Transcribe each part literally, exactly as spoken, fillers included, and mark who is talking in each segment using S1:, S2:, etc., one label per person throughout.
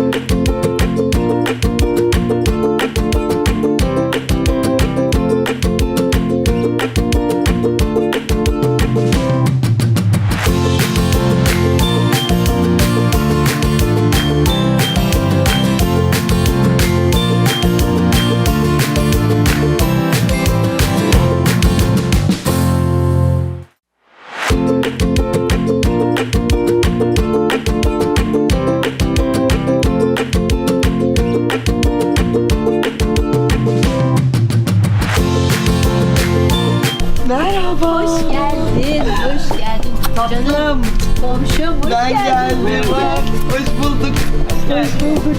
S1: Merhaba.
S2: Hoş geldin, hoş geldin.
S1: Tatlım.
S2: Canım, komşum, hoş
S1: Ben
S2: geldin.
S1: geldim. Hoş bulduk. Hoş bulduk.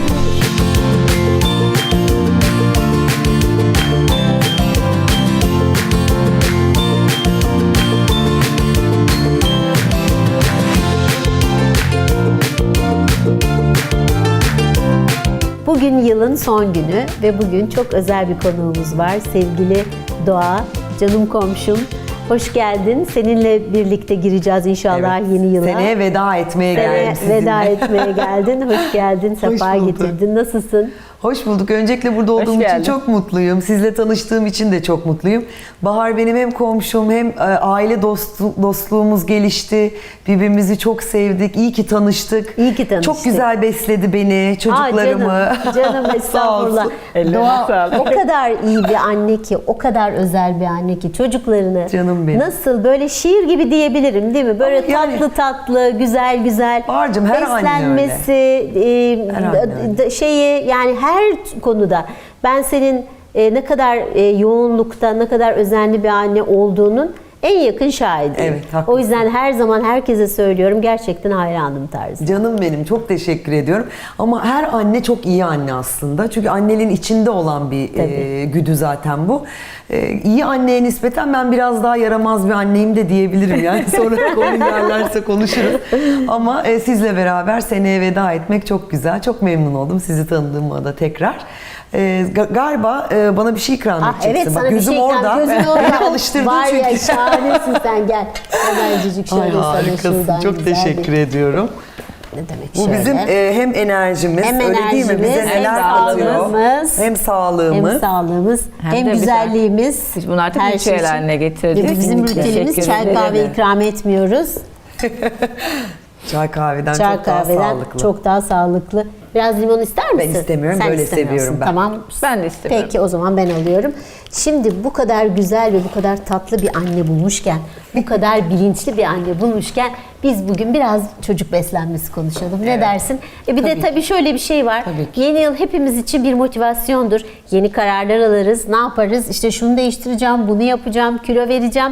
S2: Bugün yılın son günü ve bugün çok özel bir konuğumuz var. Sevgili Doğa, canım komşum. Hoş geldin. Seninle birlikte gireceğiz inşallah
S1: Evet,
S2: yeni yıla.
S1: Seneye veda etmeye
S2: Seneye
S1: geldim sizinle.
S2: veda etmeye geldin. Hoş geldin, sefa
S1: bulduk.
S2: getirdin. Nasılsın?
S1: Hoş bulduk. Öncelikle burada olduğum için
S3: geldin.
S1: çok mutluyum. Sizle tanıştığım için de çok mutluyum. Bahar benim hem komşum hem e, aile dostu, dostluğumuz gelişti. Birbirimizi çok sevdik. İyi ki tanıştık.
S2: İyi ki tanıştık.
S1: Çok güzel besledi beni, çocuklarımı.
S2: Aa, canım, canım
S1: Sağ
S2: estağfurullah.
S1: olsun.
S3: Ellerine
S2: Doğa
S3: sağlık.
S2: o kadar iyi bir anne ki, o kadar özel bir anne ki çocuklarını
S1: Canım benim.
S2: nasıl böyle şiir gibi diyebilirim değil mi? Böyle
S1: Ama yani-
S2: tatlı tatlı, güzel güzel
S1: Bahar'cığım, her anne
S2: beslenmesi, e,
S1: Her anne öyle.
S2: d- şeyi yani her konuda ben senin e, ne kadar e, yoğunlukta, ne kadar özenli bir anne olduğunun en yakın şahidiyim.
S1: Evet, haklısın.
S2: O yüzden her zaman herkese söylüyorum, gerçekten hayranım tarzı.
S1: Canım benim, çok teşekkür ediyorum. Ama her anne çok iyi anne aslında. Çünkü annenin içinde olan bir e, güdü zaten bu. E, iyi anneye nispeten ben biraz daha yaramaz bir anneyim de diyebilirim. Yani sonra konu yerlerse konuşuruz. Ama e, sizle beraber seneye veda etmek çok güzel. Çok memnun oldum sizi tanıdığıma da tekrar. E, ga- galiba e, bana bir şey ikram
S2: Ah,
S1: edeceksin.
S2: evet,
S1: Bak,
S2: sana bir
S1: gözüm
S2: şey ikram-
S1: orada.
S2: gözün
S1: Beni
S2: orada.
S1: alıştırdın
S2: Var
S1: çünkü.
S2: ya, şahanesin sen, gel. Hemencik
S1: Ay,
S2: şöyle sana
S1: harikasın.
S2: şuradan
S1: Çok
S2: güzel
S1: teşekkür
S2: bir-
S1: ediyorum.
S2: Ne demek
S1: Bu
S2: şöyle.
S1: bizim e, hem enerjimiz,
S2: Hem
S1: öyle değil mi?
S2: enerjimiz,
S1: Bize
S2: hem
S1: neler katıyor.
S2: sağlığımız,
S1: Hem sağlığımız.
S2: hem sağlığımız, hem,
S3: Hem de bir
S2: güzelliğimiz.
S3: Biz bunu artık
S2: her
S3: ritüel
S2: şey için.
S3: haline getirdik.
S2: Bizim
S3: Kesinlikle.
S2: rutinimiz
S3: Teşekkür
S2: çay
S3: ederim.
S2: kahve ikram etmiyoruz.
S1: Çay kahveden
S2: Çay
S1: çok daha
S2: kahveden
S1: sağlıklı.
S2: çok daha sağlıklı. Biraz limon ister misin?
S1: istemiyorum,
S2: Sen
S1: böyle
S2: istemiyorsun.
S1: seviyorum ben.
S2: Tamam.
S3: Ben de istemiyorum.
S2: Peki, o zaman ben alıyorum. Şimdi bu kadar güzel ve bu kadar tatlı bir anne bulmuşken, bu kadar bilinçli bir anne bulmuşken biz bugün biraz çocuk beslenmesi konuşalım. Ne
S1: Evet.
S2: dersin? E bir de tabii şöyle bir şey var.
S1: Tabii ki.
S2: Yeni yıl hepimiz için bir motivasyondur. Yeni kararlar alırız. Ne yaparız? İşte şunu değiştireceğim, bunu yapacağım, kilo vereceğim.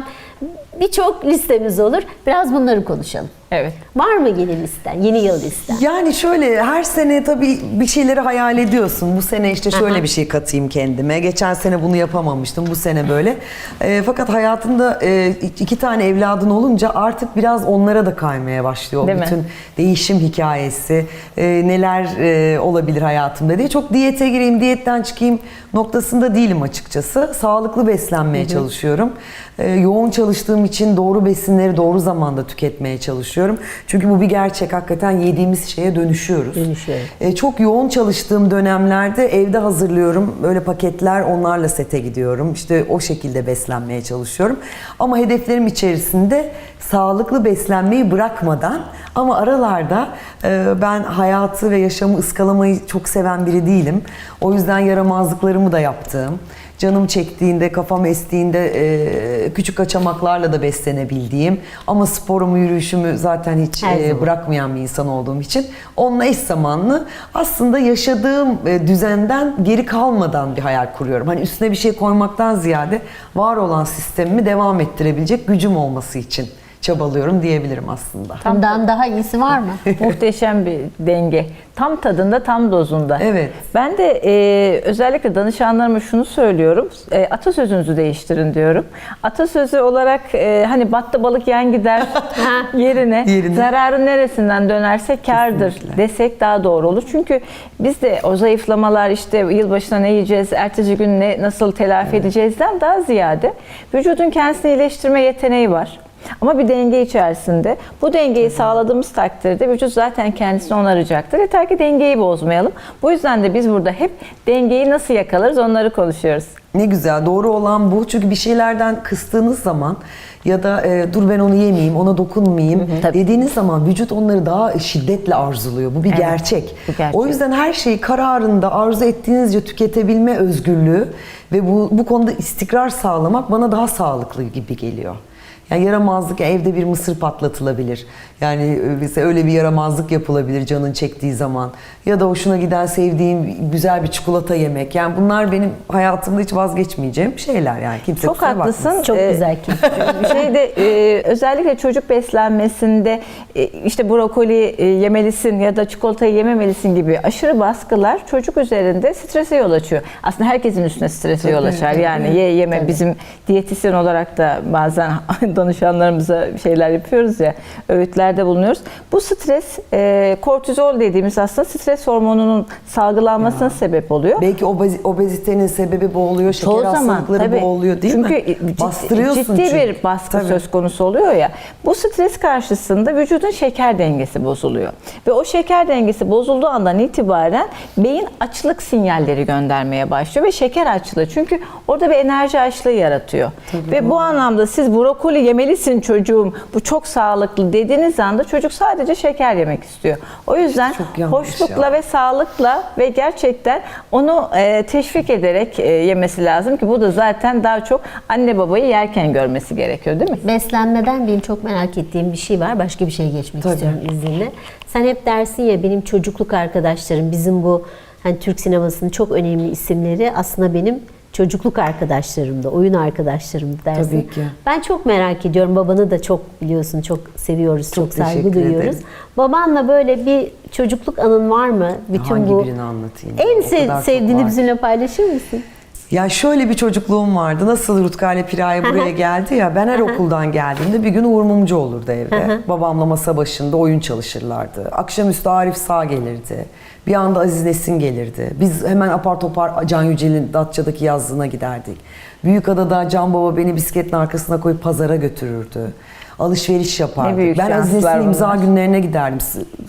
S2: Birçok listemiz olur. Biraz bunları konuşalım.
S3: Evet.
S2: Var mı yeni listen? Yeni yıl listen?
S1: Yani şöyle, her sene tabii bir şeyleri hayal ediyorsun. Bu sene işte şöyle
S2: Aha.
S1: bir şey katayım kendime. Geçen sene bunu yapamamıştım, bu sene böyle. E, fakat hayatında e, iki tane evladın olunca artık biraz onlara da kaymaya başlıyor. O
S3: Değil mi?
S1: bütün değişim hikayesi, e, neler e, olabilir hayatımda diye. Çok diyete gireyim, diyetten çıkayım noktasında değilim açıkçası. Sağlıklı beslenmeye çalışıyorum. E, yoğun çalıştığım için doğru besinleri doğru zamanda tüketmeye çalışıyorum. Çünkü bu bir gerçek. Hakikaten yediğimiz şeye dönüşüyoruz.
S2: Dönüşüyor.
S1: E, çok yoğun çalıştığım dönemlerde evde hazırlıyorum. Böyle paketler, onlarla sete gidiyorum. İşte o şekilde beslenmeye çalışıyorum. Ama hedeflerim içerisinde sağlıklı beslenmeyi bırakmadan, ama aralarda e, ben hayatı ve yaşamı ıskalamayı çok seven biri değilim. O yüzden yaramazlıklarımı da yaptığım, canım çektiğinde, kafam estiğinde e, küçük kaçamaklarla da beslenebildiğim, ama sporumu, yürüyüşümü zaten hiç
S2: Her
S1: e,
S2: zaman.
S1: bırakmayan bir insan olduğum için onunla eş zamanlı aslında yaşadığım e, düzenden geri kalmadan bir hayal kuruyorum. Hani üstüne bir şey koymaktan ziyade var olan sistemimi devam ettirebilecek gücüm olması için çabalıyorum diyebilirim aslında.
S2: Bundan daha iyisi var mı?
S3: Muhteşem bir denge. Tam tadında, tam dozunda.
S1: Evet.
S3: Ben de e, özellikle danışanlarıma şunu söylüyorum. E, atasözünüzü değiştirin diyorum. Atasözü olarak e, hani battı balık yan gider yerine,
S1: Yerine.
S3: zararı neresinden dönerse kârdır
S1: Kesinlikle.
S3: desek daha doğru olur. Çünkü biz de o zayıflamalar, işte yılbaşına ne yiyeceğiz, ertesi gün ne nasıl telafi edeceğizden daha ziyade vücudun kendisini iyileştirme yeteneği var. Ama bir denge içerisinde. Bu dengeyi sağladığımız takdirde vücut zaten kendisini onaracaktır. Yeter ki dengeyi bozmayalım. Bu yüzden de biz burada hep dengeyi nasıl yakalarız onları konuşuyoruz.
S1: Ne güzel, doğru olan bu. Çünkü bir şeylerden kıstığınız zaman ya da e, dur ben onu yemeyeyim, ona dokunmayayım
S3: Tabii.
S1: dediğiniz zaman vücut onları daha şiddetle arzuluyor. Bu bir
S3: Evet,
S1: gerçek.
S3: bu gerçek.
S1: O yüzden her şeyi kararında arzu ettiğinizce tüketebilme özgürlüğü ve bu, bu konuda istikrar sağlamak bana daha sağlıklı gibi geliyor. Yani yaramazlık, evde bir mısır patlatılabilir. Yani mesela öyle bir yaramazlık yapılabilir canın çektiği zaman. Ya da hoşuna giden, sevdiğim güzel bir çikolata yemek. Yani bunlar benim hayatımda hiç vazgeçmeyeceğim şeyler yani. Kimse
S3: Çok
S1: kusura
S3: haklısın.
S1: bakmasın.
S2: Çok
S3: Ee,
S2: güzel ki.
S3: Şeyde e, özellikle çocuk beslenmesinde e, işte brokoli e, yemelisin ya da çikolatayı yememelisin gibi aşırı baskılar çocuk üzerinde strese yol açıyor. Aslında herkesin üstüne strese
S1: Tabii,
S3: yol açar.
S1: tabii.
S3: Yani ye yeme
S2: Tabii.
S3: bizim diyetisyen olarak da bazen danışanlarımıza şeyler yapıyoruz ya, öğütlerde bulunuyoruz. Bu stres e, kortizol dediğimiz aslında stres hormonunun salgılanmasına
S1: Ya.
S3: sebep oluyor.
S1: Belki obezi- obezitenin sebebi bu oluyor, şeker
S3: Çoğu zaman
S1: hastalıkları
S3: tabii.
S1: bu oluyor değil
S3: çünkü
S1: mi?
S3: Ciddi,
S1: Bastırıyorsun
S3: ciddi
S1: çünkü.
S3: bir baskı
S1: Tabii.
S3: söz konusu oluyor ya. Bu stres karşısında vücudun şeker dengesi bozuluyor. Ve o şeker dengesi bozulduğu andan itibaren beyin açlık sinyalleri göndermeye başlıyor ve şeker açlığı. Çünkü orada bir enerji açlığı yaratıyor. Ve bu anlamda siz brokoli yemelisin çocuğum, bu çok sağlıklı dediğiniz anda çocuk sadece şeker yemek istiyor. O yüzden
S1: çok yanlış
S3: hoşlukla
S1: ya.
S3: ve sağlıkla ve gerçekten onu e, teşvik ederek e, yemesi lazım ki bu da zaten daha çok anne babayı yerken görmesi gerekiyor değil mi?
S2: Beslenmeden benim çok merak ettiğim bir şey var. Başka bir şeye geçmek
S1: Tabii.
S2: istiyorum izninle. Sen hep dersin ya benim çocukluk arkadaşlarım, bizim bu hani Türk sinemasının çok önemli isimleri aslında benim çocukluk arkadaşlarımdı, oyun arkadaşlarımdı dersin.
S1: Tabii ki.
S2: Ben çok merak ediyorum. Babanı da çok biliyorsun, çok seviyoruz, çok,
S1: Çok
S2: saygı
S1: teşekkür
S2: duyuyoruz.
S1: ederim.
S2: Babanla böyle bir çocukluk anın var mı? Bütün
S1: Hangi
S2: bu
S1: birini anlatayım?
S2: en
S1: O
S2: sev-
S1: kadar çok
S2: sevdiğini
S1: var.
S2: bizimle paylaşır mısın?
S1: Ya şöyle bir çocukluğum vardı. Nasıl Rutka ile Piraye buraya geldi ya. Ben her okuldan geldiğimde bir gün Uğur Mumcu olurdu evde. Babamla masa başında oyun çalışırlardı. Akşamüstü Arif Sağ gelirdi. Bir anda Aziz Nesin gelirdi. Biz hemen apar topar Can Yücel'in Datça'daki yazlığına giderdik. Büyükada'da Can Baba beni bisikletin arkasına koyup pazara götürürdü. Alışveriş yapardık.
S3: Ne büyük
S1: Ben Aziz
S3: şanslar
S1: Nesin'in imza
S3: bunlar.
S1: günlerine giderdim.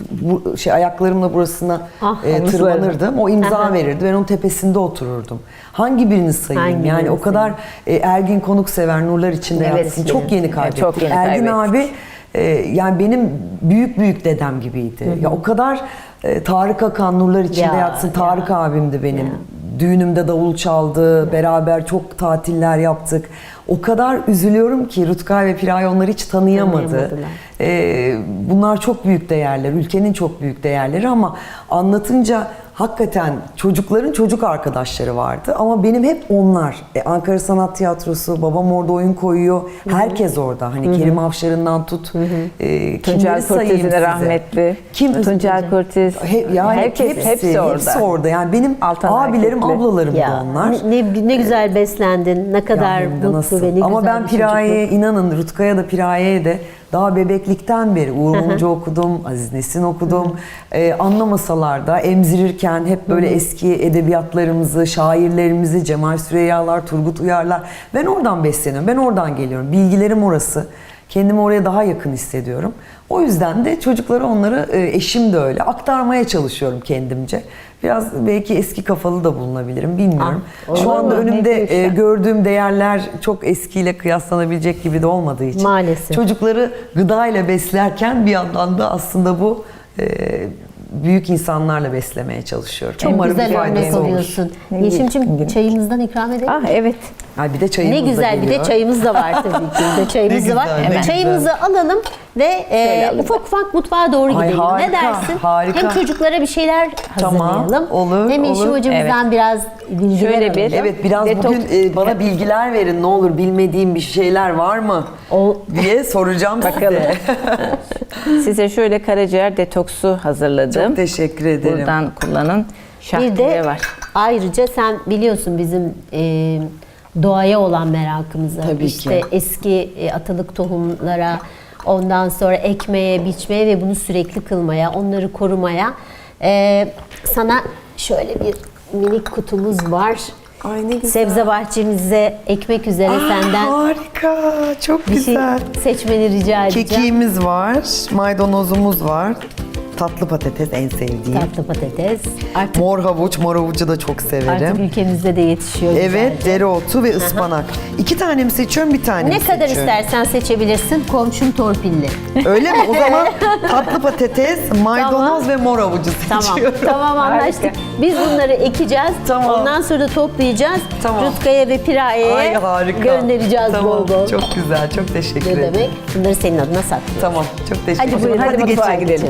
S1: Bu şey ayaklarımla burasına
S2: Ah,
S1: e,
S3: omuzlarına.
S1: tırmanırdım. O imza
S2: Aha.
S1: verirdi. Ben onun tepesinde otururdum. Hangi birini sayayım?
S2: Hangi
S1: yani
S2: birini
S1: o kadar e, Ergin Konuksever, nurlar içinde
S3: Evet,
S1: yatsın.
S3: evet.
S1: Çok yeni
S3: Evet,
S1: kaybettik.
S3: çok yeni
S1: Ergin
S3: kaybettik.
S1: abi e, yani benim büyük büyük dedem gibiydi. Ya o kadar e, Tarık Akan, nurlar içinde
S2: Ya,
S1: yatsın. Tarık
S2: ya.
S1: abimdi benim.
S2: Ya.
S1: Düğünümde davul çaldı. Beraber çok tatiller yaptık. O kadar üzülüyorum ki Rutkay ve Piraye onları hiç tanıyamadı.
S2: Tanıyamadılar.
S1: Ee, bunlar çok büyük değerler, ülkenin çok büyük değerleri ama anlatınca hakikaten çocukların çocuk arkadaşları vardı ama benim hep onlar. E, Ankara Sanat Tiyatrosu, babam orada oyun koyuyor, herkes orada. Hani Kerim Avşar'ından tut, e, kimleri
S3: Tuncel
S1: sayayım
S3: Kurtiz'in
S1: size?
S3: rahmetli.
S1: Kim?
S3: Tuncel Kurtiz.
S1: He, yani
S3: Herkes,
S1: hepsi,
S3: hepsi, orada.
S1: hepsi orada. Yani benim
S3: Altan
S1: abilerim,
S3: Erkekli.
S1: ablalarım da
S2: Ya
S1: onlar.
S2: ne, ne güzel beslendin, ne kadar
S1: Ya hem de
S2: mutlu
S1: nasıl.
S2: ve ne
S1: Ama
S2: güzel
S1: ben
S2: bir
S1: Piraye'ye
S2: çocukluk.
S1: inanın, Rutkay'a da Piraye'ye de daha bebeklikten beri Uğur Mumcu okudum, Aziz Nesin okudum. Ee, anlamasalar da emzirirken hep böyle eski edebiyatlarımızı, şairlerimizi, Cemal Süreyyalar, Turgut Uyarlar. Ben oradan besleniyorum, ben oradan geliyorum. Bilgilerim orası. Kendimi oraya daha yakın hissediyorum. O yüzden de çocuklara onları, e, eşim de öyle, aktarmaya çalışıyorum kendimce. Biraz belki eski kafalı da bulunabilirim, bilmiyorum.
S2: Ah,
S1: Şu
S2: olur
S1: anda
S2: mu? Ne
S1: önümde
S2: büyük
S1: e,
S2: şans.
S1: gördüğüm değerler çok eskiyle kıyaslanabilecek gibi de olmadığı için.
S2: Maalesef.
S1: Çocukları gıdayla beslerken bir yandan da aslında bu e, büyük insanlarla beslemeye çalışıyorum.
S2: Çok
S1: Umarım bir
S2: güzel örnek
S1: faydası olur.
S2: oluyorsun.
S3: Ne
S2: Yeşim'cim
S3: güzel.
S2: çayımızdan ikram edelim.
S3: Ah evet.
S1: Ay bir de çayımız
S2: Ne
S1: da
S2: güzel, bir de
S1: geliyor.
S2: çayımız da var tabii ki. Bir de çayımız
S1: Ne
S2: da var.
S1: güzel, ne
S2: Hemen.
S1: güzel.
S2: Çayımızı alalım ve e,
S3: alalım.
S2: ufak ufak mutfağa doğru
S1: Ay,
S2: gidelim.
S1: harika,
S2: ne dersin?
S1: harika.
S2: Hem çocuklara bir şeyler
S1: Tamam,
S2: hazırlayalım.
S1: olur,
S2: Hem Yeşim
S1: olur.
S2: hocamızdan biraz bilgiler
S3: Şöyle
S2: alalım.
S3: bir-
S1: Evet, biraz
S3: Detok-
S1: bugün e, bana bilgiler verin, ne olur, bilmediğim bir şeyler var mı
S2: O-
S1: diye soracağım
S3: Bakalım.
S1: size.
S3: Size şöyle karaciğer detoksu hazırladım.
S1: Çok teşekkür ederim.
S3: Buradan kullanın.
S2: Bir
S3: Şahtiye
S2: de
S3: var.
S2: ayrıca sen biliyorsun bizim e, doğaya olan merakımızı.
S1: Tabii
S2: işte
S1: ki.
S2: eski e, atalık tohumlara, ondan sonra ekmeye, biçmeye ve bunu sürekli kılmaya, onları korumaya. E, sana şöyle bir minik kutumuz var.
S1: Ay ne güzel.
S2: Sebze bahçemize ekmek üzere
S1: Aa,
S2: senden
S1: harika. Çok
S2: bir şey
S1: güzel.
S2: seçmeni rica edeceğim.
S1: Kekiğimiz var, maydanozumuz var. Tatlı patates en sevdiğim.
S2: Tatlı patates. Artık,
S1: Mor havuç, mor havucu da çok severim.
S2: artık ülkemizde de yetişiyor
S1: Evet,
S2: güzelce.
S1: dereotu ve ıspanak. İki tane mi seçiyorum, bir tane
S2: Ne
S1: mi
S2: kadar
S1: seçiyorum?
S2: istersen seçebilirsin. Komşum torpilli.
S1: Öyle mi? O zaman tatlı patates, maydanoz
S2: Tamam.
S1: ve mor havucu
S2: Tamam.
S1: seçiyorum.
S2: Tamam anlaştık.
S3: Harika.
S2: Biz bunları ekeceğiz.
S1: Tamam.
S2: Ondan sonra da toplayacağız.
S1: Tamam.
S2: Rutkaya ve
S1: Ay
S2: Piraye'ye
S1: harika.
S2: göndereceğiz
S1: Tamam,
S2: bol bol.
S1: çok güzel, çok teşekkür
S2: Ne
S1: ederim.
S2: demek? Bunları senin adına saklıyoruz.
S1: Tamam, çok teşekkür
S2: Hadi
S1: ederim.
S2: buyurun.
S3: Hadi mutfağa
S1: geçelim.
S3: gidelim.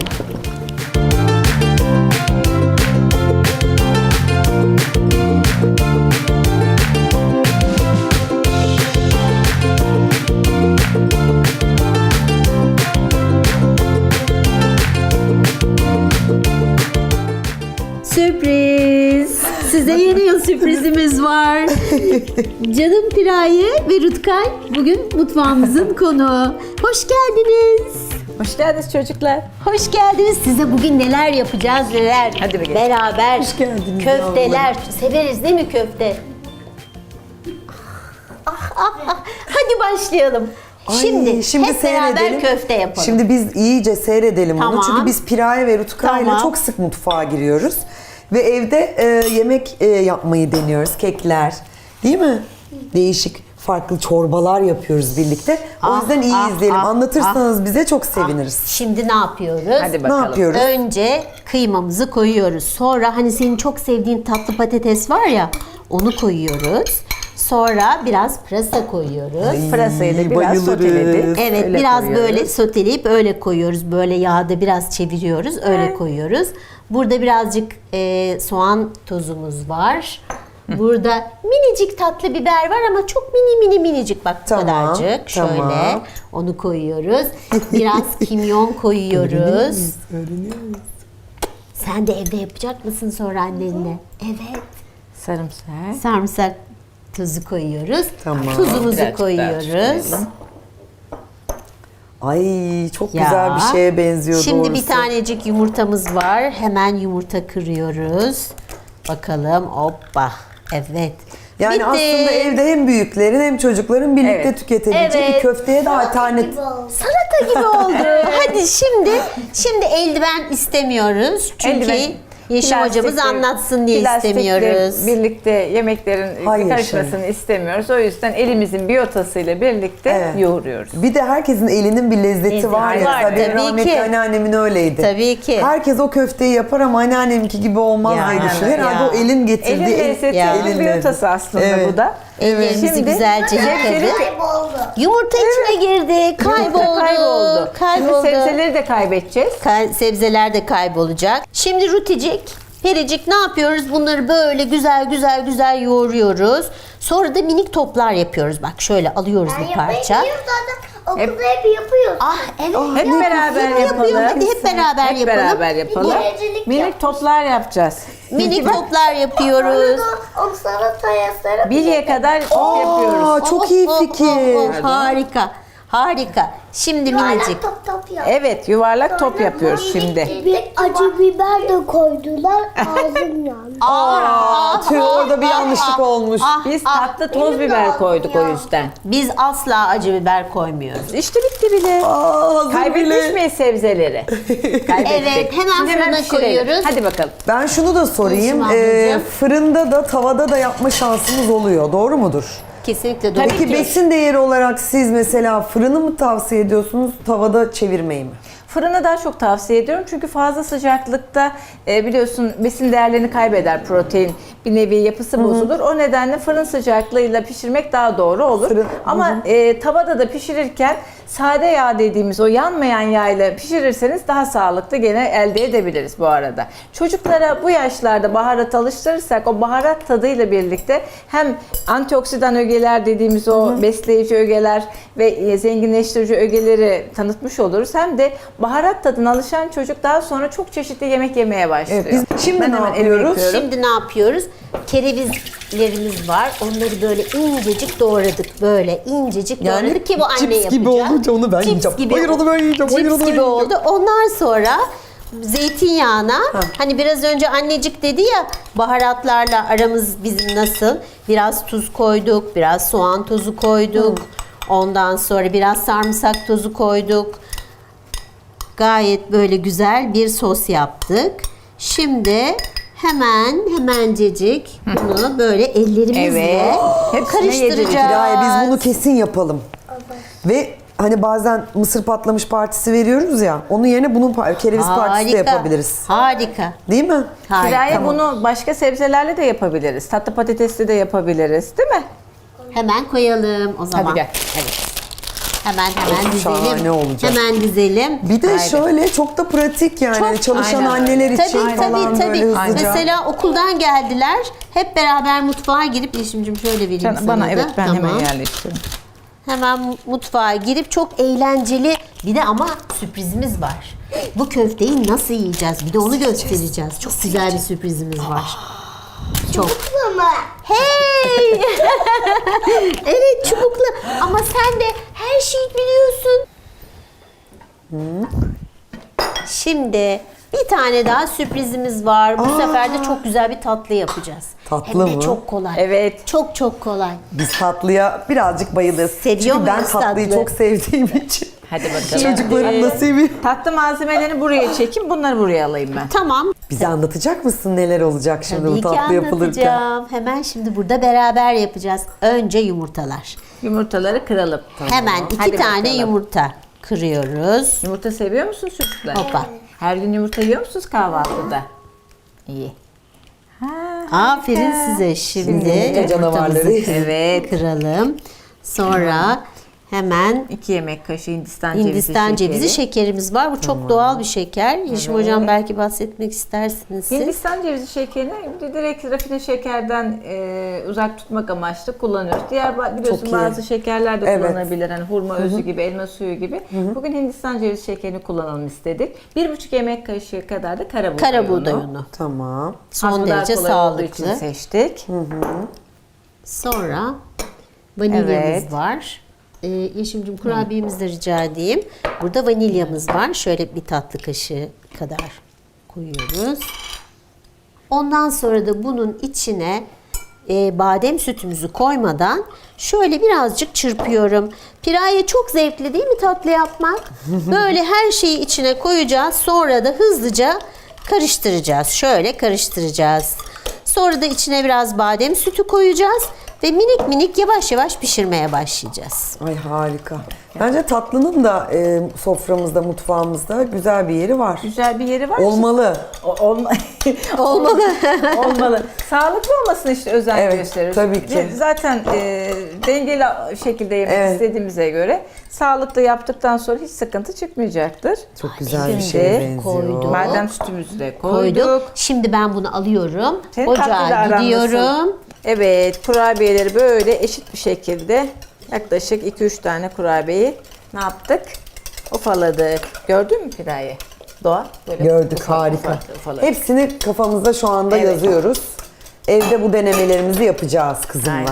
S2: Sürpriz! Size yeni yıl sürprizimiz var. Canım Piraye ve Rutkay bugün mutfağımızın konuğu. Hoş geldiniz.
S3: Hoş geldiniz çocuklar.
S2: Hoş geldiniz. Size bugün neler yapacağız neler.
S3: Hadi bakalım.
S2: Beraber.
S1: Hoş geldiniz
S2: Köfteler. Severiz değil mi köfte? Ah, ah, ah. Hadi başlayalım.
S1: Ay,
S2: Şimdi, hep beraber
S1: seyredelim.
S2: köfte yapalım.
S1: Şimdi biz iyice seyredelim
S2: Tamam.
S1: onu. Çünkü biz Piraye ve Rutkay ile
S2: Tamam.
S1: çok sık mutfağa giriyoruz. Ve evde e, yemek e, yapmayı deniyoruz. Kekler. Değil mi? Değişik farklı çorbalar yapıyoruz birlikte. O
S2: Ah,
S1: yüzden iyi
S2: ah,
S1: izleyelim.
S2: ah,
S1: Anlatırsanız bize çok seviniriz.
S2: Şimdi ne yapıyoruz?
S3: Hadi
S1: Ne
S3: bakalım.
S1: yapıyoruz?
S2: Önce kıymamızı koyuyoruz. Sonra hani senin çok sevdiğin tatlı patates var ya, onu koyuyoruz. Sonra biraz pırasa koyuyoruz.
S3: Pırasayı da biraz
S1: bayılırız.
S3: soteledik.
S2: Evet,
S3: Öyle
S2: biraz
S3: koyuyoruz.
S2: böyle soteleyip öyle koyuyoruz. Böyle yağda biraz çeviriyoruz, öyle koyuyoruz. Burada birazcık e, soğan tozumuz var. Burada minicik tatlı biber var ama çok mini mini minicik, bak bu
S1: Tamam,
S2: kadarcık. Şöyle
S1: tamam.
S2: onu koyuyoruz. Biraz kimyon koyuyoruz. Sen de evde yapacak mısın sonra annenle? Evet.
S3: Sarımsak.
S2: Sarımsak tuzu koyuyoruz.
S1: Tamam.
S2: Tuzumuzu
S3: Birazcık
S2: koyuyoruz.
S3: daha koyalım.
S1: Ay çok
S2: Ya.
S1: güzel bir şeye benziyor
S2: Şimdi
S1: doğrusu.
S2: bir tanecik yumurtamız var. Hemen yumurta kırıyoruz. Bakalım. Hoppa. Evet.
S1: Yani
S2: Bitti.
S1: aslında evde hem büyüklerin hem çocukların birlikte
S3: Evet.
S1: tüketebileceği
S2: Evet.
S1: bir köfteye de alternatif.
S2: Salata gibi oldu. Hadi şimdi şimdi eldiven istemiyoruz. Çünkü
S3: Eldiven,
S2: Yeşim hocamız
S3: plastikle-
S2: anlatsın diye
S3: plastikle
S2: istemiyoruz.
S3: birlikte yemeklerin
S1: Hayır,
S3: karışmasını istemiyoruz. O yüzden elimizin biyotasıyla birlikte
S1: Evet.
S3: yoğuruyoruz.
S1: Bir de herkesin elinin bir lezzeti
S2: Lezzeti
S1: var ya.
S2: var,
S1: Mesela benim
S2: tabii
S1: rahmetli
S2: ki.
S1: anneannemin öyleydi.
S2: Tabii ki.
S1: Herkes o köfteyi yapar ama anneanneminki gibi olmaz
S2: Ya,
S1: diye düşünüyor.
S2: ya.
S1: Herhalde o elin getirdiği
S3: Elin
S1: el-
S3: lezzeti,
S2: Ya.
S3: elin biyotası aslında
S1: Evet.
S3: bu da.
S2: Ellerimizi
S3: Şimdi
S2: güzelce
S3: sebzeleri-
S2: yıkadık. Yumurta içine girdi. Kayboldu.
S3: Kayboldu.
S2: Kayboldu.
S3: Şimdi sebzeleri de kaybedeceğiz.
S2: Ka- sebzeler de kaybolacak. Şimdi ruticik, pericik ne yapıyoruz? Bunları böyle güzel güzel güzel yoğuruyoruz. Sonra da minik toplar yapıyoruz. Bak şöyle alıyoruz bir parça.
S4: Yapmayı zaten okulda hep yapıyoruz.
S2: Ah evet.
S3: Hep
S2: ya,
S3: beraber
S2: hep yapıyor.
S3: yapalım.
S2: Hadi hep beraber
S3: Hep
S2: yapalım.
S3: beraber yapalım.
S4: Biricilik
S3: Minik
S4: yapmış.
S3: toplar yapacağız.
S2: Minik toplar yapıyoruz.
S4: Onu salataya sarıp
S3: Bilyeye kadar top yapıyoruz.
S1: Aa, çok iyi fikir.
S2: oh, harika. Harika. Şimdi minicik.
S4: top top yap.
S3: Evet, yuvarlak top yapıyoruz şimdi.
S4: Bir acı biber de koydular. Ağzım yandı.
S2: Aa,
S1: Tüh, orada bir yanlışlık olmuş.
S2: ah,
S3: Biz
S2: ah.
S3: tatlı toz biber koyduk o yüzden.
S2: Biz asla acı biber koymuyoruz.
S3: İşte bitti bile.
S1: Aa, hazır
S3: Kaybetmiş
S1: bile.
S3: miyiz sebzeleri? Kaybettik.
S2: Evet, hemen
S3: Şimdi
S2: fırına
S3: pişirelim.
S2: koyuyoruz.
S3: Hadi bakalım.
S1: Ben şunu da sorayım.
S2: Konuşma
S1: Ee,
S2: ablacığım.
S1: fırında da tavada da yapma şansımız oluyor. Doğru mudur?
S2: Kesinlikle doğru.
S1: Peki besin değeri olarak siz mesela fırını mı tavsiye ediyorsunuz, tavada çevirmeyi mi?
S3: Fırını daha çok tavsiye ediyorum çünkü fazla sıcaklıkta e, biliyorsun besin değerlerini kaybeder protein. Bir nevi yapısı bozulur. O nedenle fırın sıcaklığıyla pişirmek daha doğru olur.
S1: Fırın-
S3: Ama e, tavada da pişirirken sade yağ dediğimiz o yanmayan yağ ile pişirirseniz daha sağlıklı gene elde edebiliriz bu arada. Çocuklara bu yaşlarda baharat alıştırırsak o baharat tadıyla birlikte hem antioksidan ögeler dediğimiz o besleyici ögeler ve e, zenginleştirici ögeleri tanıtmış oluruz. Hem de baharat tadına alışan çocuk daha sonra çok çeşitli yemek yemeye başlıyor.
S1: Evet, biz şimdi
S3: Ben
S1: ne
S3: hemen elimi
S1: yapıyoruz?
S3: yıkıyorum.
S2: Şimdi ne yapıyoruz? Kerevizlerimiz var. Onları böyle incecik doğradık. Böyle incecik
S1: Yani
S2: doğradık ki bu anne
S1: cips
S2: yapacak.
S1: gibi olunca onu ben
S2: Cips
S1: yiyeceğim.
S2: gibi,
S1: Hayır, onu ben yiyeceğim. Hayır,
S2: cips
S1: onu ben
S2: gibi
S1: yiyeceğim.
S2: oldu. Ondan sonra zeytinyağına, hani biraz önce annecik dedi ya, baharatlarla aramız bizim nasıl? Biraz tuz koyduk, biraz soğan tozu koyduk. Ondan sonra biraz sarımsak tozu koyduk. Gayet böyle güzel bir sos yaptık. Şimdi hemen hemencecik bunu böyle ellerimizle
S3: Evet. Hepsine
S2: karıştıracağız.
S1: Firaye biz bunu kesin yapalım. Ve hani bazen mısır patlamış partisi veriyoruz ya, onun yerine bunun pa- kereviz partisi de yapabiliriz.
S2: Harika.
S1: Değil mi?
S2: Harika.
S3: Firaye bunu başka sebzelerle de yapabiliriz. Tatlı patatesli de yapabiliriz, değil mi?
S2: Hemen koyalım o zaman.
S3: Hadi gel.
S2: Evet. Hemen hemen
S1: Of, şahane
S2: dizelim.
S1: olacak.
S2: Hemen dizelim.
S1: Bir de
S3: Haydi.
S1: şöyle çok da pratik yani. Hani çalışan
S3: Aynen.
S1: anneler için
S2: Tabii
S1: falan
S2: tabii
S1: böyle
S2: tabii.
S1: hızlıca.
S2: Mesela okuldan geldiler. Hep beraber mutfağa girip, Yeşim'cim şöyle vereyim
S3: Sen,
S2: sana
S3: bana
S2: da.
S3: evet ben
S2: Tamam.
S3: hemen yerleştiririm.
S2: Hemen mutfağa girip çok eğlenceli, bir de ama sürprizimiz var. Bu köfteyi nasıl yiyeceğiz? Bir de onu göstereceğiz. Çok güzel bir sürprizimiz var. Çok. Hey! Evet, çubuklu. Ama sen de her şeyi biliyorsun. Şimdi bir tane daha sürprizimiz var. Bu sefer de çok güzel bir tatlı yapacağız.
S1: Tatlı
S2: Hem de
S1: mı?
S2: çok kolay.
S3: Evet.
S2: Çok çok kolay.
S1: Biz tatlıya birazcık bayılırız.
S2: Seviyor
S1: Çünkü ben
S2: muyuz
S1: tatlıyı
S2: tatlı?
S1: çok sevdiğim için.
S3: Hadi bakalım.
S1: Çocuklarım da seviyor.
S3: Tatlı malzemelerini buraya çekeyim, bunları buraya alayım ben.
S2: Tamam.
S1: Bize anlatacak mısın neler olacak şimdi
S2: Tabii
S1: bu
S2: ki
S1: tatlı yapılırken?
S2: anlatacağım. Hemen şimdi burada beraber yapacağız. Önce yumurtalar.
S3: Yumurtaları kıralım.
S2: Hemen iki
S3: Hadi
S2: tane
S3: bakalım.
S2: yumurta kırıyoruz.
S3: Yumurta seviyor musun çocuklar?
S2: Hoppa.
S3: Her gün yumurta yiyor musunuz kahvaltıda? İyi.
S2: Aferin size. Şimdi
S1: yumurta canavarları.
S2: yumurtamızı
S3: Evet.
S2: kıralım. Sonra hemen
S3: iki yemek kaşığı Hindistan, cevizi
S2: Hindistan
S3: şekeri.
S2: cevizi şekerimiz var. Bu çok doğal bir şeker. Yeşim hocam belki bahsetmek istersiniz siz.
S3: Hindistan cevizi şekerini direkt rafine şekerden e, uzak tutmak amaçlı kullanıyoruz. Diğer ba- biliyorsun
S1: Çok iyi.
S3: bazı şekerler de
S1: Evet.
S3: kullanılabilir. Hani hurma özü gibi, elma suyu gibi. Bugün Hindistan cevizi şekerini kullanalım istedik. Bir buçuk yemek kaşığı kadar da kara buğday
S2: Kara buğday
S3: unu.
S2: unu.
S1: Tamam.
S2: Son
S3: Az kadar
S2: derece
S3: kolay olduğu için
S2: sağlıklı.
S3: seçtik.
S2: Sonra vanilyamız
S3: Evet.
S2: var. Ee, Yeşim'cim kurabiyemizi de rica edeyim. Burada vanilyamız var. Şöyle bir tatlı kaşığı kadar koyuyoruz. Ondan sonra da bunun içine e, badem sütümüzü koymadan şöyle birazcık çırpıyorum. Piraye çok zevkli değil mi tatlı yapmak? Böyle her şeyi içine koyacağız. Sonra da hızlıca karıştıracağız. Şöyle karıştıracağız. Sonra da içine biraz badem sütü koyacağız. Ve minik minik yavaş yavaş pişirmeye başlayacağız.
S1: Ay harika. Bence tatlının da e, soframızda, mutfağımızda güzel bir yeri var.
S3: Güzel bir yeri var.
S1: Olmalı.
S3: O- olma
S2: Olmalı.
S3: Olmalı. Sağlıklı olmasına işte özen
S1: Evet,
S3: gösteriyoruz.
S1: tabii ki.
S3: Ve zaten e, dengeli şekilde yemek
S1: Evet.
S3: istediğimize göre sağlıklı yaptıktan sonra hiç sıkıntı çıkmayacaktır.
S1: Çok güzel bir
S3: Şimdi
S1: şeye benziyor.
S2: koydum.
S3: Badem sütümüzü de koyduk.
S2: Koyduk. Şimdi ben bunu alıyorum.
S3: Senin tatlıyla
S2: Ocağa
S3: aran
S2: gidiyorum.
S3: nasıl? Evet, kurabiyeleri böyle eşit bir şekilde yaklaşık iki üç tane kurabiyeyi ne yaptık? Ufaladık. Gördün mü Piraye? Doğa. Böyle
S1: Gördük,
S3: ufak
S1: harika.
S3: ufak ufaladık.
S1: Hepsini kafamızda şu anda
S3: Evet.
S1: yazıyoruz. Evde bu denemelerimizi yapacağız kızımla.
S3: Aynen.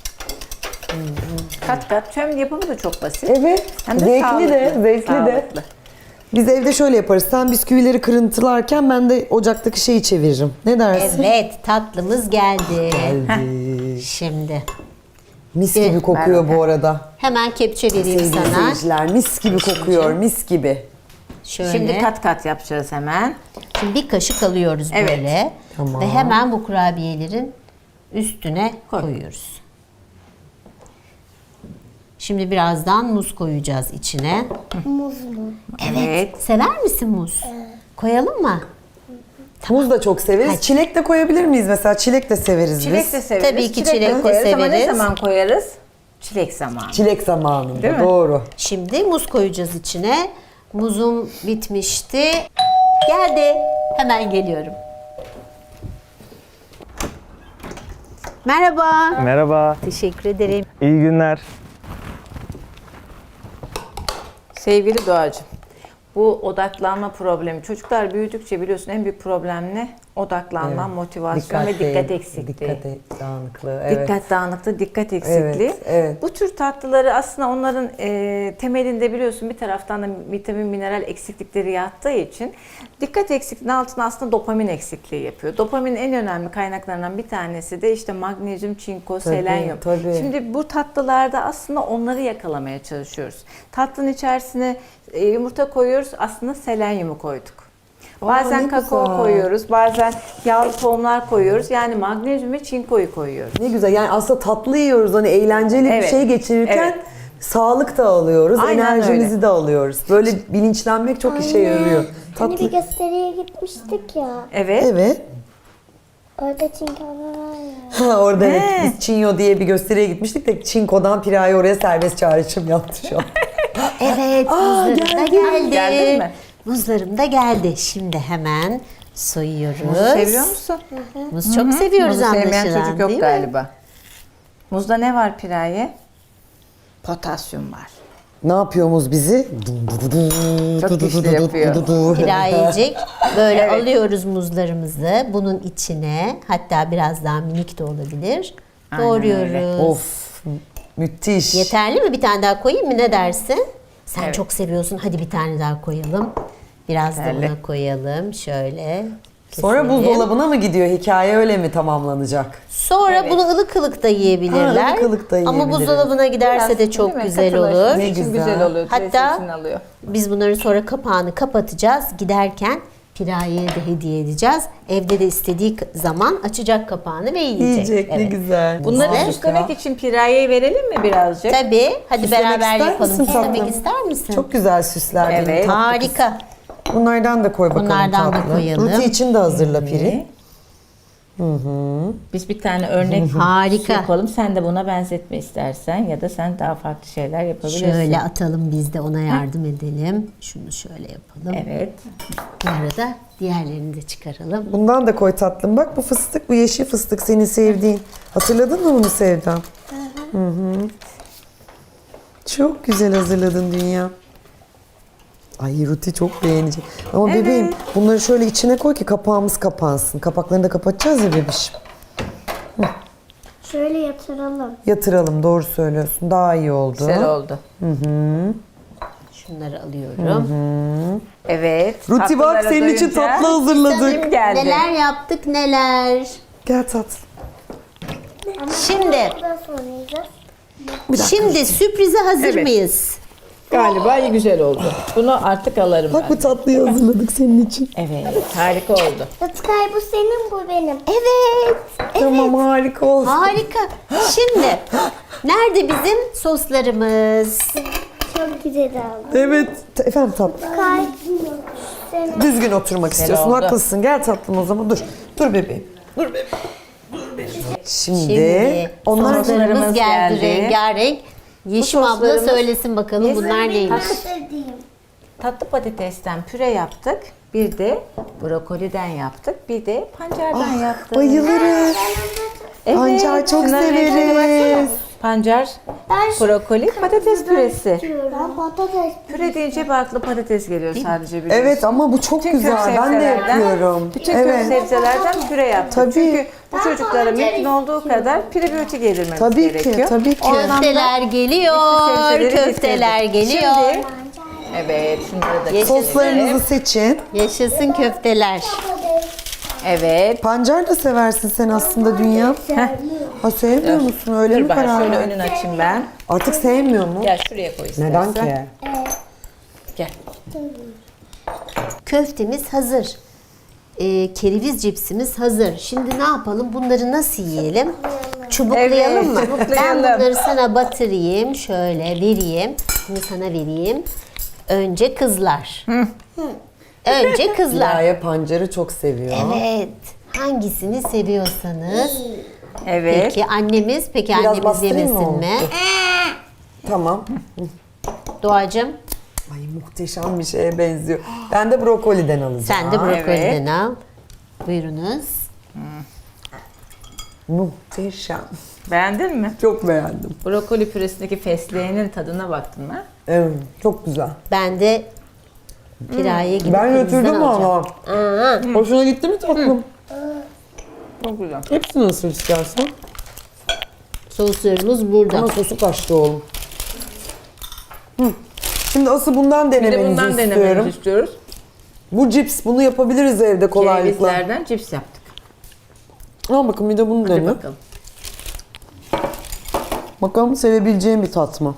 S3: Kat kat. Hem yapımı da çok basit.
S1: Evet.
S3: Hem de
S1: Zevkli
S3: sağlıklı.
S1: de, zevkli de.
S3: Sağlıklı.
S1: Biz evde şöyle yaparız. Sen bisküvileri kırıntılarken ben de ocaktaki şeyi çeviririm. Ne dersin?
S2: Evet, tatlımız geldi.
S1: Geldi.
S2: Şimdi
S1: Mis
S2: Evet,
S1: gibi kokuyor
S3: ver
S1: bu arada.
S2: hemen kepçe vereyim
S1: Sevgili
S2: sana.
S1: seyirciler, mis gibi kokuyor, mis gibi.
S2: Şöyle.
S3: Şimdi kat kat yapacağız hemen.
S2: Şimdi bir kaşık alıyoruz
S3: Evet.
S2: böyle.
S1: Tamam.
S2: Ve hemen bu kurabiyelerin üstüne koyuyoruz. Şimdi birazdan muz koyacağız içine.
S4: Muz mu?
S3: Evet.
S2: Sever misin muz? Koyalım mı?
S1: Muz da çok severiz.
S2: Hadi.
S1: Çilek de koyabilir miyiz mesela? Çilek de severiz
S3: Çilek
S1: biz.
S3: de severiz.
S2: Tabii ki
S3: de
S2: çilek de
S3: koyarız ama ne
S2: severiz.
S3: zaman koyarız? Çilek zamanı.
S1: Çilek zamanında,
S3: Değil mi?
S1: doğru.
S2: Şimdi muz koyacağız içine. Muzum bitmişti. Geldi. Hemen geliyorum. Merhaba.
S5: Merhaba,
S2: Teşekkür ederim.
S5: iyi günler.
S3: Sevgili Doğacığım, bu odaklanma problemi. Çocuklar büyüdükçe biliyorsun en büyük problem ne? Odaklanma,
S1: Evet.
S3: motivasyon ve dikkat eksikliği.
S1: Dikkat dağınıklığı. Evet.
S3: Dikkat dağınıklığı, dikkat eksikliği.
S1: Evet, evet.
S3: Bu tür tatlıları aslında onların e, temelinde biliyorsun bir taraftan da vitamin, mineral eksiklikleri yattığı için dikkat eksikliğinin altına aslında dopamin eksikliği yapıyor. Dopaminin en önemli kaynaklarından bir tanesi de işte magnezyum, çinko,
S1: Tabii,
S3: selenyum.
S1: tabii.
S3: Şimdi bu tatlılarda aslında onları yakalamaya çalışıyoruz. Tatlının içerisine e, yumurta koyuyoruz, aslında selenyumu koyduk. Bazen
S1: ne
S3: kakao
S1: güzel.
S3: koyuyoruz, bazen yağlı tohumlar koyuyoruz. Yani magnezyum ve çinkoyu koyuyoruz.
S1: Ne güzel. Yani aslında tatlı yiyoruz. Hani eğlenceli
S3: Evet.
S1: bir şey geçirirken
S3: Evet.
S1: sağlık da alıyoruz.
S3: Aynen
S1: Enerjimizi
S3: öyle.
S1: de alıyoruz. Böyle bilinçlenmek çok işe yarıyor.
S4: Hani
S1: Tatlı.
S4: bir gösteriye gitmiştik ya.
S3: Evet.
S1: Evet.
S4: Orada çinkolar var ya.
S1: Ha, orada evet.
S3: He.
S1: Biz Çinyo diye bir gösteriye gitmiştik de Çinko'dan Pira'yı oraya serbest çağrışım yaptı şu an.
S2: Evet,
S1: Aa,
S2: muzlarım da
S1: geldi.
S2: geldi.
S3: Geldi mi?
S2: Muzlarım da geldi. Şimdi hemen soyuyoruz.
S3: Muzu seviyor musun?
S2: Muz çok seviyoruz
S3: Muzu sevmeyen
S2: anlaşılan,
S3: çocuk yok
S2: değil mi?
S3: galiba. Muzda ne var Piraye? Potasyum var.
S1: Ne yapıyoruz bizi?
S3: Çok güçlü yapıyor.
S2: Pirayecik. Böyle
S3: Evet.
S2: alıyoruz muzlarımızı. Bunun içine, hatta biraz daha minik de olabilir.
S3: Aynen
S2: Doğruyoruz.
S1: Of, müthiş.
S2: Yeterli mi? Bir tane daha koyayım mı? Ne dersin? Sen
S3: Evet.
S2: çok seviyorsun. Hadi bir tane daha koyalım. Biraz
S3: Yeterli.
S2: da buna koyalım. Şöyle.
S1: Sonra
S2: keselim.
S1: buzdolabına mı gidiyor? Hikaye öyle mi tamamlanacak?
S2: Sonra
S3: Evet.
S2: bunu ılık ılık da yiyebilirler.
S1: Ha, ılık ılık da
S2: Ama
S1: yiyebiliriz.
S2: buzdolabına giderse
S3: Biraz,
S2: de çok
S3: değil mi?
S2: güzel
S3: Katılaşması
S2: olur.
S1: Ne
S3: için
S1: güzel.
S3: güzel oluyor.
S2: Hatta-
S3: Hatta alıyor.
S2: Biz bunların sonra kapağını kapatacağız. Giderken Piraye'ye de hediye edeceğiz. Evde de istediği zaman açacak kapağını ve yiyecek.
S1: Yiyecek ne
S2: Evet.
S1: güzel.
S3: Bunları
S1: Harika.
S3: süslemek için Piraye'yi verelim mi birazcık?
S2: Tabii. Hadi
S1: Süslemek
S2: beraber
S1: ister
S2: yapalım.
S1: misin
S2: Süslemek
S1: tatlım?
S2: ister misin?
S1: Çok güzel süsler benim
S3: Evet.
S1: tatlı kız.
S2: Harika.
S1: Bunlardan da koy bakalım
S2: Bunlardan da
S1: tatlı.
S2: koyalım.
S1: Ruti için de hazırla Piri.
S3: Biz bir tane örnek
S2: Harika.
S3: yapalım. Sen de buna benzetme istersen ya da sen daha farklı şeyler yapabilirsin.
S2: Şöyle atalım, biz de ona yardım edelim. Şunu şöyle yapalım.
S3: Evet.
S2: Bu arada diğerlerini de çıkaralım.
S1: Bundan da koy tatlım. Bak bu fıstık, bu yeşil fıstık senin sevdiğin. Hatırladın mı bunu Sevdam? Hı hı. Çok güzel hazırladın dünya. Ay Ruti çok beğenecek. Ama
S3: Evet.
S1: bebeğim bunları şöyle içine koy ki kapağımız kapansın. Kapaklarını da kapatacağız ya bebişim.
S4: Şöyle yatıralım.
S1: Yatıralım, doğru söylüyorsun. Daha iyi oldu.
S3: Güzel oldu.
S2: Şunları alıyorum.
S3: Evet.
S1: Ruti bak
S3: tatlılara
S1: senin için
S3: doyunca
S1: tatlı hazırladık.
S3: Kim geldi?
S2: Neler yaptık neler.
S1: Gel tatlım.
S2: Şimdi,
S4: Bundan sonra yiyeceğiz.
S2: şimdi sürprize hazır
S3: Evet.
S2: mıyız?
S3: Galiba iyi güzel oldu. Bunu artık alırım
S1: Bak
S3: ben.
S1: bu tatlıyı hazırladık senin için.
S3: Evet. Harika oldu.
S4: Rutkay bu senin, bu benim.
S2: Evet.
S1: Tamam harika olsun.
S2: Harika. Şimdi, nerede bizim soslarımız?
S4: Çok güzel oldu.
S1: Evet. Ta- Efendim tatlım.
S4: Rutkay senin.
S1: Düzgün oturmak istiyorsun.
S3: oldu.
S1: Haklısın. Gel tatlım o zaman. Dur. Dur bebeğim. Dur bebeğim. Dur bebeğim. Şimdi,
S2: Şimdi
S1: onlar
S2: soslarımız
S3: Soslarımız
S2: geldi,
S3: geldi.
S2: rengarenk. Yeşim abla
S3: soslarımız-
S2: söylesin bakalım bunlar neymiş?
S4: Sevdiğim.
S3: Tatlı patatesten püre yaptık. Bir de brokoliden yaptık. Bir de pancardan yaptık.
S1: bayılırız.
S3: Evet,
S1: Pancar çok
S3: şunların renklerine
S1: severiz.
S3: baksana. Pancar,
S4: Ben
S3: brokoli, patates püresi.
S4: Ben patates.
S3: Püre deyince hep aklı patates geliyor sadece biliyorsun.
S1: Evet ama bu çok
S3: Bütün
S1: güzel.
S3: kök
S1: Ben de
S3: sebzelerden-
S1: yapıyorum.
S3: Bütün kök
S1: Evet.
S3: sebzelerden püre yaptık.
S1: Tabii.
S3: Çünkü bu çocuklara mümkün olduğu kadar prebiyotik yedirmemiz
S1: Tabii ki,
S3: gerekiyor.
S1: tabii ki.
S3: O anlamda
S2: Köfteler geliyor,
S3: sebzeleri
S2: köfteler
S3: getirdik.
S2: geliyor.
S3: Şimdi, evet şunları da
S2: Yaşasın.
S1: Soslarınızı seçin.
S2: Yaşasın köfteler.
S3: Evet.
S1: Pancar da seversin sen aslında dünya. Ha sevmiyor musun? Öyle
S3: Dur
S1: mi
S3: ben
S1: karar
S3: şöyle
S1: verdin?
S3: önünü açayım ben.
S1: Artık sevmiyor mu?
S3: Gel şuraya koy istersen.
S1: Neden ki?
S3: Gel.
S2: Köftemiz hazır. Ee, kereviz cipsimiz hazır. Şimdi ne yapalım? Bunları nasıl yiyelim? Çubuklayalım
S3: Evet,
S2: mı? Ben
S3: çubuklayalım.
S2: bunları sana batırayım. Şöyle vereyim. Bunu sana vereyim. Önce kızlar. Önce kızlar.
S1: Dilaya pancarı çok seviyor.
S2: Evet. Hangisini seviyorsanız.
S3: Evet.
S2: Peki annemiz, peki
S1: Biraz
S2: annemiz
S1: bastırayım mı
S2: yemesin
S1: onu?
S2: mi?
S1: Tamam.
S2: Doğacığım
S1: Ay muhteşem bir şeye benziyor. Ben de brokoliden alacağım.
S2: sen de brokoliden
S3: evet.
S2: al. Buyurunuz.
S1: Muhteşem.
S3: Beğendin mi?
S1: Çok beğendim.
S3: Brokoli püresindeki fesleğenin tadına baktın mı?
S1: Evet, çok güzel.
S2: Ben de Piraye gibi
S1: Ben
S2: kırmızıdan
S1: götürdüm
S2: alacağım.
S1: ama.
S2: Aa,
S1: Hoşuna gitti mi tatlım?
S3: Çok güzel.
S1: Hepsini ısır istersen.
S2: Soslarımız burada.
S1: Ama sosu kaçtı oğlum. Hı. Şimdi asıl bundan
S3: Bir de
S1: denemenizi
S3: bundan
S1: istiyorum.
S3: denemenizi istiyoruz.
S1: Bu cips, bunu yapabiliriz evde kolaylıkla.
S3: Cevizlerden cips yaptık.
S1: Al bakın bir de bunu
S3: Hadi
S1: dene.
S3: bakalım.
S1: Bakalım sevebileceğim bir tat mı?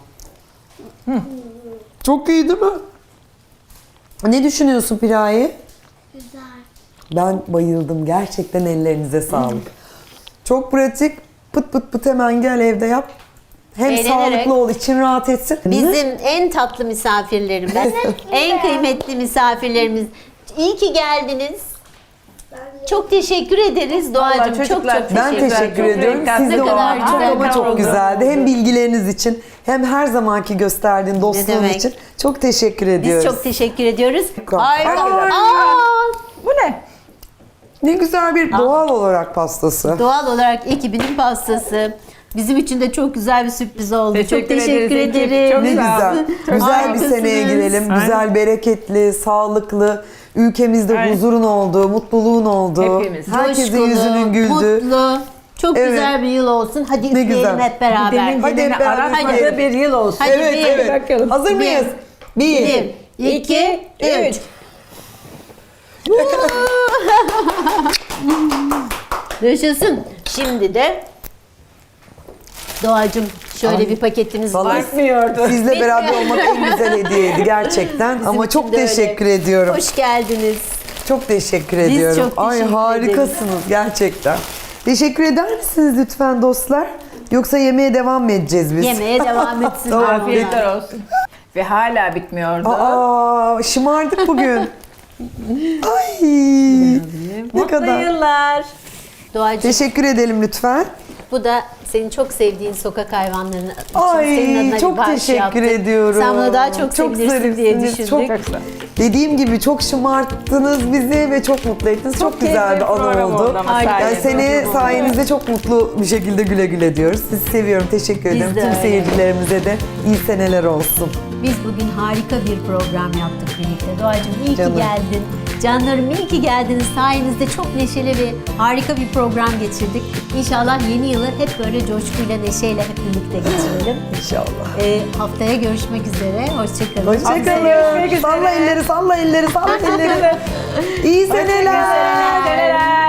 S1: Çok iyi değil mi? Ne düşünüyorsun Piraye?
S4: Güzel.
S1: Ben bayıldım. Gerçekten ellerinize sağlık. Çok pratik. Pıt pıt pıt hemen gel evde yap. Hem
S2: Eğlenerek.
S1: sağlıklı ol, için rahat etsin.
S2: Bizim en tatlı misafirlerimiz, en kıymetli misafirlerimiz. İyi ki geldiniz. Çok teşekkür ederiz Doğacığım.
S3: Vallahi
S2: Çok çok
S3: çocuklar,
S2: teşekkür
S1: Ben
S2: ederim.
S1: teşekkür
S3: Çok
S1: ediyorum.
S3: renkli.
S1: Siz
S2: Ne
S1: de o
S2: kadar
S1: çok
S2: güzel
S1: ama çok
S3: oldu.
S1: güzeldi. Hem bilgileriniz için hem her zamanki gösterdiğin dostluğun
S2: demek.
S1: için çok teşekkür
S2: Biz
S1: ediyoruz.
S2: çok teşekkür ediyoruz.
S1: Harika.
S2: Harika.
S1: Harika.
S2: Aa,
S3: Bu ne?
S1: Ne güzel bir doğal olarak pastası.
S2: doğal olarak ekibinin pastası. Bizim için de çok güzel bir sürpriz oldu.
S3: Teşekkür
S2: çok teşekkür
S3: ederiz ekip.
S2: ederim.
S3: Çok
S1: Ne
S3: sağ olun.
S1: güzel.
S3: Çok
S1: Güzel bir
S2: harikasınız.
S1: seneye girelim.
S3: Aynen.
S1: Güzel, bereketli, sağlıklı, ülkemizde
S3: Aynen.
S1: huzurun olduğu, mutluluğun olduğu,
S3: Hepimiz.
S1: herkesin
S2: Coşkulu,
S1: yüzünün güldüğü.
S2: mutlu. Çok
S1: Evet.
S2: güzel bir yıl olsun. Hadi
S1: Ne
S2: üfleyelim
S1: güzel.
S2: hep beraber.
S3: Demin
S1: Hadi
S3: geleni
S1: hep beraber
S3: aratmadığı
S1: üfleyelim.
S3: bir yıl olsun.
S2: Hadi
S1: Evet,
S2: bir,
S1: evet.
S3: bakalım.
S1: Hazır mıyız? Bir,
S2: Bir, iki, üç. Yaşasın. Şimdi de Doğacığım şöyle bir paketimiz
S1: Vallahi
S2: var.
S3: Bitmiyordu.
S1: Sizle beraber olmak en güzel hediyeydi gerçekten. Ama
S2: için
S1: çok
S2: de öyle.
S1: teşekkür ediyorum.
S2: Hoş geldiniz.
S1: Çok teşekkür
S2: Biz
S1: ediyorum.
S2: çok
S1: Ay
S2: teşekkür
S1: harikasınız gerçekten. Teşekkür eder misiniz lütfen dostlar? Yoksa yemeğe devam mı edeceğiz biz?
S2: Yemeğe devam etsin.
S1: Tamam,
S3: Afiyetler olsun. Ve hala bitmiyordu.
S1: Aa, şımardık bugün. Ay, ne
S3: Mutlu
S1: kadar.
S3: yıllar.
S2: Doğacığım
S1: Teşekkür edelim lütfen.
S2: bu da senin çok sevdiğin sokak hayvanlarının için
S1: Ay,
S2: senin adına bir
S1: çok
S2: bağış
S1: teşekkür
S2: yaptık.
S1: ediyorum.
S2: Sen bunu daha çok,
S1: Çok
S2: sevinirsin diye
S1: zarifsiniz,
S2: düşündük.
S1: çok-
S3: Çok güzel.
S1: Dediğim gibi çok şımarttınız bizi ve çok mutlu ettiniz. Çok, güzel
S3: keyifli
S1: bir anı
S3: program
S1: oldu.
S3: oldu ama
S2: Harika.
S1: Yani
S3: sayende.
S1: seni sayenizde çok mutlu bir şekilde güle güle diyoruz. Sizi seviyorum. Teşekkür
S2: Biz
S1: ederim.
S2: de
S1: Tüm
S2: öyle.
S1: seyircilerimize de iyi seneler olsun.
S2: Biz bugün harika bir program yaptık birlikte. Doğacığım iyi
S1: Canım.
S2: ki geldin. Canlarım iyi ki geldiniz. Sayenizde çok neşeli ve harika bir program geçirdik. İnşallah yeni yılı hep böyle coşkuyla, neşeyle hep birlikte geçirelim.
S1: İnşallah.
S2: Ee, haftaya görüşmek üzere. Hoşçakalın.
S1: Hoşçakalın.
S3: görüşmek üzere.
S1: Salla elleri, salla elleri, salla elleri. İyi seneler.
S3: Seneler.